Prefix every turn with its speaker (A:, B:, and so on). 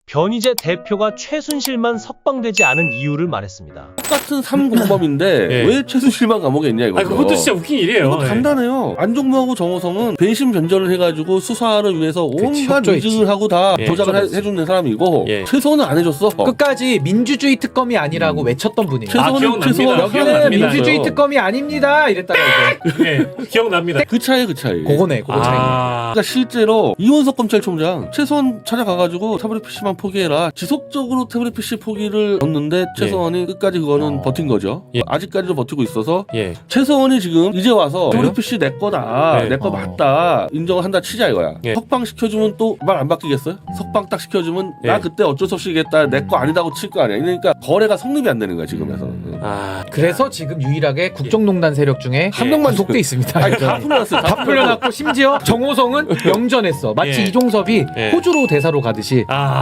A: 변희재 대표가 최순실만 석방되지 않은 이유를 말했습니다.
B: 똑같은 3공범인데 왜 최순실만 감옥에 있냐 이거죠.
C: 그것도 진짜 웃긴 일이에요.
B: 이거 간단해요. 안종무하고 정호성은 배심 변절을 해가지고 수사를 위해서 온갖 위증을 하고 다 조작을 해주는 사람이고 최소원은 안 해줬어.
D: 끝까지 민주주의 특검이 아니라고 외쳤던 분이에요.
C: 기억납니다.
D: 민주주의 특검이 아닙니다. 이랬다가 이제
C: 기억납니다.
B: 그 차이.
D: 그거네. 그거 차이.
B: 그러니까 실제로 이원석 검찰총장 최소원 찾아가가지고 태블릿 PC만 포기해라. 지속적으로 태블릿 PC 포기를 넣었는데 최소원이 끝까지 그거는 버틴 거죠. 아직까지도 버티고 있어서 최소원이 지금 이제 와서 태블릿 PC 내 거다. 내 거 맞다. 인정을 한다 치자 이거야. 석방 시켜주면 또 말 안 바뀌겠어요? 석방 딱 시켜주면 나 그때 어쩔 수 없이겠다. 내 거 아니다고 칠 거 아니야. 그러니까 거래가 성립이 안 되는 거야 지금에서.
D: 그래서 지금 유일하게 국정농단 세력 중에 한 명만 속돼 있습니다.
B: 아니, 다 풀려났어요.
D: 다 풀려났고 심지어 정호성은 영전했어. 마치 이종섭이 호주로 대사로 가듯이